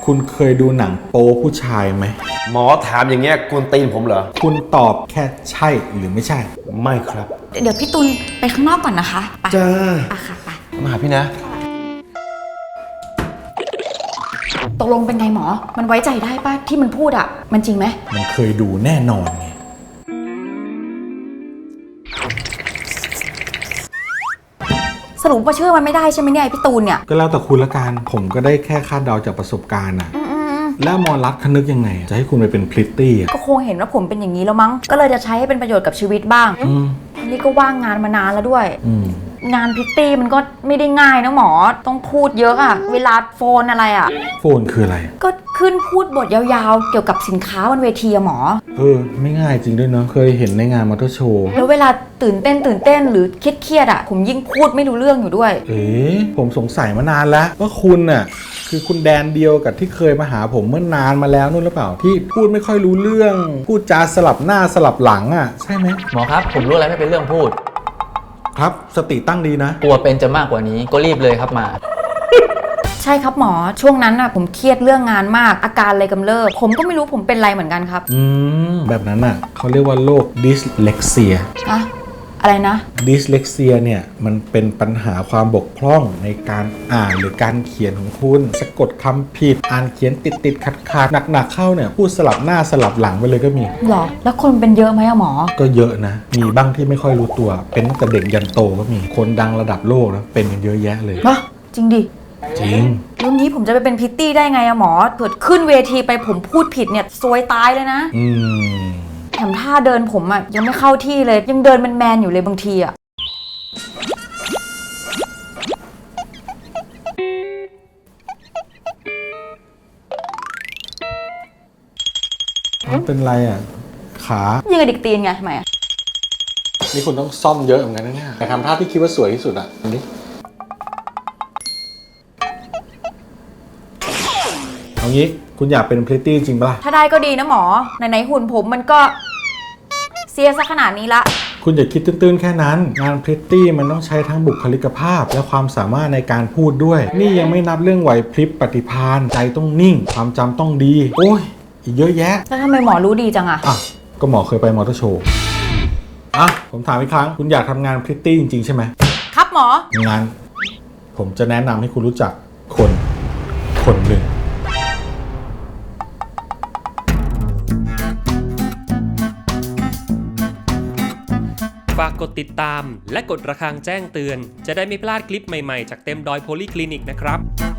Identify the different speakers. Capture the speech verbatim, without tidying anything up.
Speaker 1: คุณเคยดูหนังโป๊ผู้ชายไหม
Speaker 2: หมอถามอย่างเงี้ยกวนตีนผมเหรอ
Speaker 1: คุณตอบแค่ใช่หรือไม่ใช่
Speaker 2: ไม่ครับ
Speaker 3: เดี๋ยวพี่ตุลไปข้างนอกก่อนนะคะไป
Speaker 2: จ้า
Speaker 3: ไปค่ะไป
Speaker 2: มาหาพี่นะ
Speaker 3: ตกลงเป็นไงหมอมันไว้ใจได้ป่ะที่มันพูดอ่ะมันจริงไหม
Speaker 1: มันเคยดูแน่นอนไง
Speaker 3: สรุปว่าเชื่อมันไม่ได้ใช่ไหมเนี่ยพี่ตูนเนี่ย
Speaker 1: ก็แล้วแต่คุณละกันผมก็ได้แค่คาดเดาจากประสบการณ์อะแล้วมอรัฐคนึกยังไงจะให้คุณไปเป็นพริตตี้
Speaker 3: ก็คงเห็นว่าผมเป็นอย่างนี้แล้วมั้งก็เลยจะใช้ให้เป็นประโยชน์กับชีวิตบ้างนี่ก็ว่างงานมานานแล้วด้วยงานพริตตี้มันก็ไม่ได้ง่ายนะหมอต้องพูดเยอะอะเวลาโฟนอะไรอะ
Speaker 1: โฟนคืออะไร
Speaker 3: ก็ขึ้นพูดบทยาวๆเกี่ยวกับสินค้าบนเวทีอะหมอ
Speaker 1: เออไม่ง่ายจริงด้วยเนาะเคยเห็นในงานมอเตอร์โชว์
Speaker 3: แล้วเวลาตื่นเต้นตื่นเต้นหรือเครียดๆอะผมยิ่งพูดไม่รู้เรื่องอยู่ด้วย
Speaker 1: เอ๊ะผมสงสัยมานานแล้วว่าคุณน่ะคือคุณแดนเดียวกับที่เคยมาหาผมเมื่อนานมาแล้วนู่นหรือเปล่าที่พูดไม่ค่อยรู้เรื่องพูดจาสลับหน้าสลับหลังอ่ะใช่ไหม
Speaker 4: หมอครับผมรู้อะไรไม่เป็นเรื่องพูด
Speaker 1: ครับสติตั้งดีนะ
Speaker 4: กลัวเป็นจะมากกว่านี้ก็รีบเลยครับมา
Speaker 3: ใช่ครับหมอช่วงนั้นน่ะผมเครียดเรื่องงานมากอาการเลยกำเริบผมก็ไม่รู้ผมเป็นไรเหมือนกันครับ
Speaker 1: อืมแบบนั้นอ่ะเขาเรียกว่าโรคดิสเลกเซีย
Speaker 3: อะอะไรนะ
Speaker 1: ดิสเลกเซียเนี่ยมันเป็นปัญหาความบกพร่องในการอ่านหรือการเขียนของคุณสะกดคำผิดอ่านเขียนติดติดขัดขัดหนักหนักเข้าเนี่ยพูดสลับหน้าสลับหลังไปเลยก็มี
Speaker 3: หรอแล้วคนเป็นเยอะไหมอะหมอ
Speaker 1: ก็เยอะนะมีบ้างที่ไม่ค่อยรู้ตัวเป็นตั้งแต่เด็กยันโตก็มีคนดังระดับโลกนะเป็นกันเยอะแยะเลย
Speaker 3: วะจริงดิ
Speaker 1: จริง
Speaker 3: รุ่นนี้ผมจะไปเป็นพิตตี้ได้ไงอะหมอเกิดขึ้นเวทีไปผมพูดผิดเนี่ยซวยตายเลยนะ
Speaker 1: อืม
Speaker 3: แถมท่าเดินผมอะยังไม่เข้าที่เลยยังเดินแมนๆอยู่เลยบางทีอะ
Speaker 1: เป็นไรอ่ะขา
Speaker 3: ยังกระดิกตีนไงทำไมอ่ะ
Speaker 1: นี่คุณต้องซ่อมเยอะเหมือนกันนะเนี่ยแต่ทำท่าที่คิดว่าสวยที่สุดอ่ะอันนี้เอางี้คุณอยากเป็นพริตตี้จริงปะล่ะ
Speaker 3: ถ้าได้ก็ดีนะหมอไหนๆหุ่นผมมันก็เสียซะขนาดนี้ละ
Speaker 1: คุณอย่าคิดตื้นๆแค่นั้นงานพริตตี้มันต้องใช้ทั้งบุคลิกภาพและความสามารถในการพูดด้วยนี่ยังไม่นับเรื่องไหวพริบปฏิภาณใจต้องนิ่งความจำต้องดีโอ้ยอีกเยอะแยะ
Speaker 3: แล้วทำไมหมอรู้ดีจังอะ
Speaker 1: อ่ะก็หมอเคยไปมอเตอร์โชว์อ่ะผมถามอีกครั้งคุณอยากทำงานพริตตี้จริงๆใช่ไหม
Speaker 3: ครับหมอ
Speaker 1: งั้นผมจะแนะนำให้คุณรู้จักคนคนหนึ่ง
Speaker 5: ฝากกดติดตามและกดระฆังแจ้งเตือนจะได้ไม่พลาดคลิปใหม่ๆจากเต็มดอยโพลีคลินิกนะครับ